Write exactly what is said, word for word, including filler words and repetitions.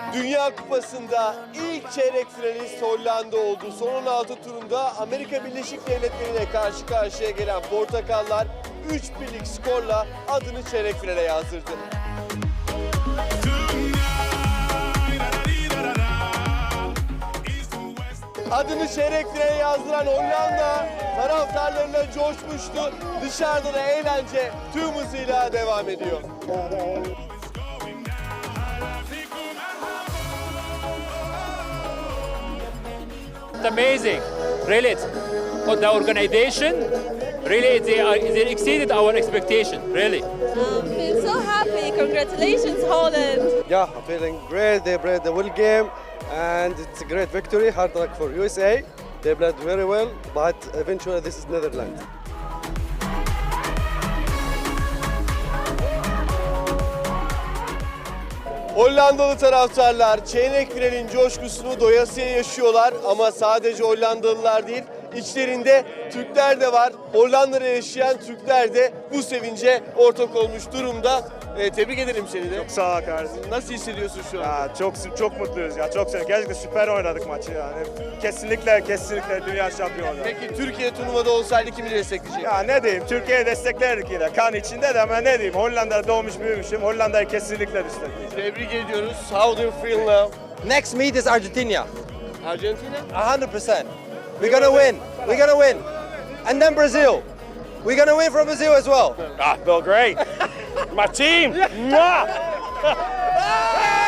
Dünya Kupası'nda ilk çeyrek finalist Hollanda oldu. Son on altı turunda Amerika Birleşik Devletleri'ne karşı karşıya gelen Portakallar üç birlik skorla adını çeyrek finale yazdırdı. Adını çeyrek finale yazdıran Hollanda taraftarlarıyla coşmuştu. Dışarıda da eğlence tüm hızıyla devam ediyor. It's amazing, really. But the organization, really, they, are, they exceeded our expectation, really. Um, feel so happy. Congratulations, Holland. Yeah, I'm feeling great. They played the well game, and it's a great victory. Hard luck for U S A. They played very well, but eventually this is Netherlands. Hollandalı taraftarlar çeyrek finalin coşkusunu doyasıya yaşıyorlar ama sadece Hollandalılar değil, içlerinde Türkler de var. Hollanda'da yaşayan Türkler de bu sevince ortak olmuş durumda. Ee, tebrik ederim seni de. Sağ ol kardeşim. Nasıl hissediyorsun şu an? Ya çok çok mutluyuz ya. Çok sevindim. Gerçekten süper oynadık maçı yani. Kesinlikle kesinlikle dünya şampiyonu. Peki Türkiye turnuvada olsaydı kimi destekleyecek? Ya ne diyeyim? Türkiye'yi desteklerdik yine. Kan içinde de ama ne diyeyim? Hollanda'da doğmuş büyümüşüm. Hollanda'yı kesinlikle destekleyeceğim. Tebrik ediyoruz. How do you feel now? Next meet is Argentina. Argentina? one hundred percent. We're gonna win. We're gonna win. And then Brazil. We're gonna win from Brazil as well. Ah, feel great. My team. Mwah!